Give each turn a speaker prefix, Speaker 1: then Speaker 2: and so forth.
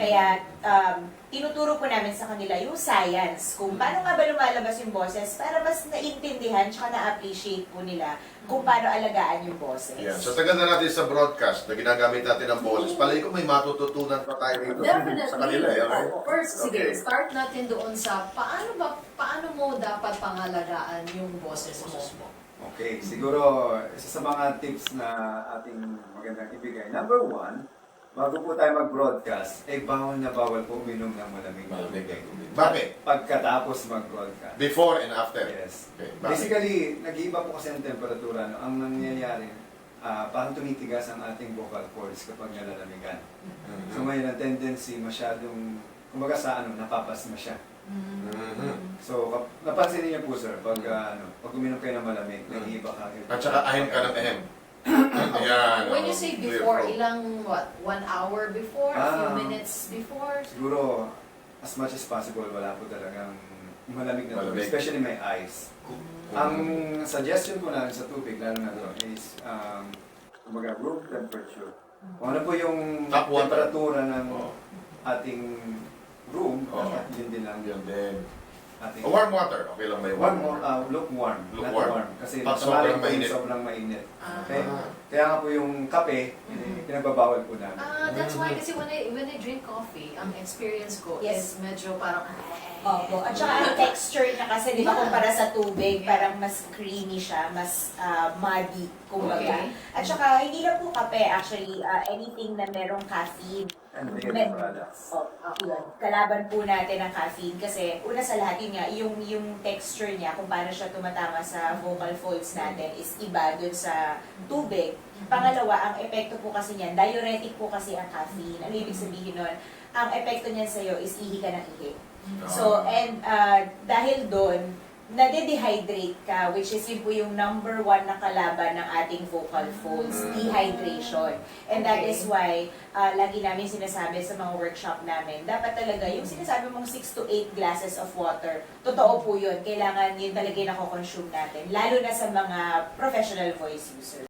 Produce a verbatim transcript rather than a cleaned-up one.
Speaker 1: Kaya um, tinuturo po namin sa kanila yung science, kung paano nga ba lumalabas yung boses para mas naintindihan tsaka na-appreciate po nila kung paano alagaan yung boses.
Speaker 2: Yeah. So tagal na natin sa broadcast na ginagamit natin ang boses. Palagi ko may matututunan pa tayo dito
Speaker 3: Definitely.
Speaker 2: sa kanila. Eh, okay?
Speaker 3: Oo. First, sige,
Speaker 2: Okay.
Speaker 3: start natin doon sa paano ba paano mo dapat pangalagaan yung boses mo.
Speaker 4: Okay, siguro isa sa mga tips na ating magandang ibigay. Number one, bago po tayo mag-broadcast, eh bawal na bawal po uminom ng malamig na
Speaker 2: Malamig
Speaker 4: tubig.
Speaker 2: na tubig. Bakit?
Speaker 4: Pagkatapos mag-broadcast.
Speaker 2: Before and after?
Speaker 4: Yes.
Speaker 2: Okay. Bakit?
Speaker 4: Basically, nag-iiba po kasi ang temperatura. No? Ang nangyayari, ah, parang tumitigas ang ating vocal cords kapag nalalamigan.
Speaker 2: Mhm.
Speaker 4: So ngayon, ang tendency masyadong, kumbaga sa ano, napapasma siya.
Speaker 2: Mhm.
Speaker 4: So, kap- napansin niyo po sir, pag, ah, ano, pag uminom kayo ng malamig,
Speaker 2: Mm.
Speaker 4: nag-iiba ka.
Speaker 2: At saka ahem ka ng ahem. Ayan.
Speaker 3: When you
Speaker 2: oh,
Speaker 3: say
Speaker 2: clear
Speaker 3: before,
Speaker 2: throat.
Speaker 3: ilang what? One hour before? A few
Speaker 4: Ah.
Speaker 3: minutes before?
Speaker 4: Siguro, as much as possible, wala po talagang malamig na tubig,
Speaker 2: Malamig.
Speaker 4: especially may ice. Ang suggestion ko lang sa tubig, lalo na to, is um, kumbaga room temperature. Kung ano po yung
Speaker 2: Tap water.
Speaker 4: temperatura ng
Speaker 2: Oh.
Speaker 4: ating room,
Speaker 2: Oh.
Speaker 4: dapat yun din lang
Speaker 2: Yun din.
Speaker 4: ating...
Speaker 2: Oh, warm water. Okay lang may
Speaker 4: Warm,
Speaker 2: warm water.
Speaker 4: uh, lukewarm, not
Speaker 2: Lukewarm.
Speaker 4: warm. Kasi
Speaker 2: Pag
Speaker 4: masama
Speaker 2: sobrang
Speaker 4: rin po yung
Speaker 2: mainit.
Speaker 4: sobrang mainit.
Speaker 3: Ah.
Speaker 4: Okay? Kaya nga po yung kape,
Speaker 3: Mhm.
Speaker 4: pinagbabawal po namin.
Speaker 3: Ah, that's why kasi when I when I drink coffee, ang experience ko
Speaker 1: Yes.
Speaker 3: is medyo parang
Speaker 1: Opo. At saka ang texture niya kasi, di ba, kumpara sa tubig, parang mas creamy siya, mas ah, muddy, kumbaga.
Speaker 3: Okay.
Speaker 1: At saka, hindi lang po kape, actually, ah, anything na merong caffeine.
Speaker 4: And dairy
Speaker 1: Med-
Speaker 4: products.
Speaker 1: Oh, yun. Kalaban po natin ang caffeine kasi una sa lahat yun nga, yung, yung texture niya, kung paano siya tumatama sa vocal folds natin is iba dun sa tubig. Pangalawa, ang epekto po kasi niyan, diuretic po kasi ang caffeine. Ano ibig sabihin nun? Ang epekto niyan sa'yo is ihi ka ng ihi. So, and uh, dahil doon, nade-dehydrate ka, which is yun po yung number one na kalaban ng ating vocal folds, dehydration. And that
Speaker 3: Okay.
Speaker 1: is why, uh, lagi namin sinasabi sa mga workshop namin, dapat talaga yung sinasabi mong six to eight glasses of water, totoo po yun, kailangan yun talaga yung nako-consume natin, lalo na sa mga professional voice users.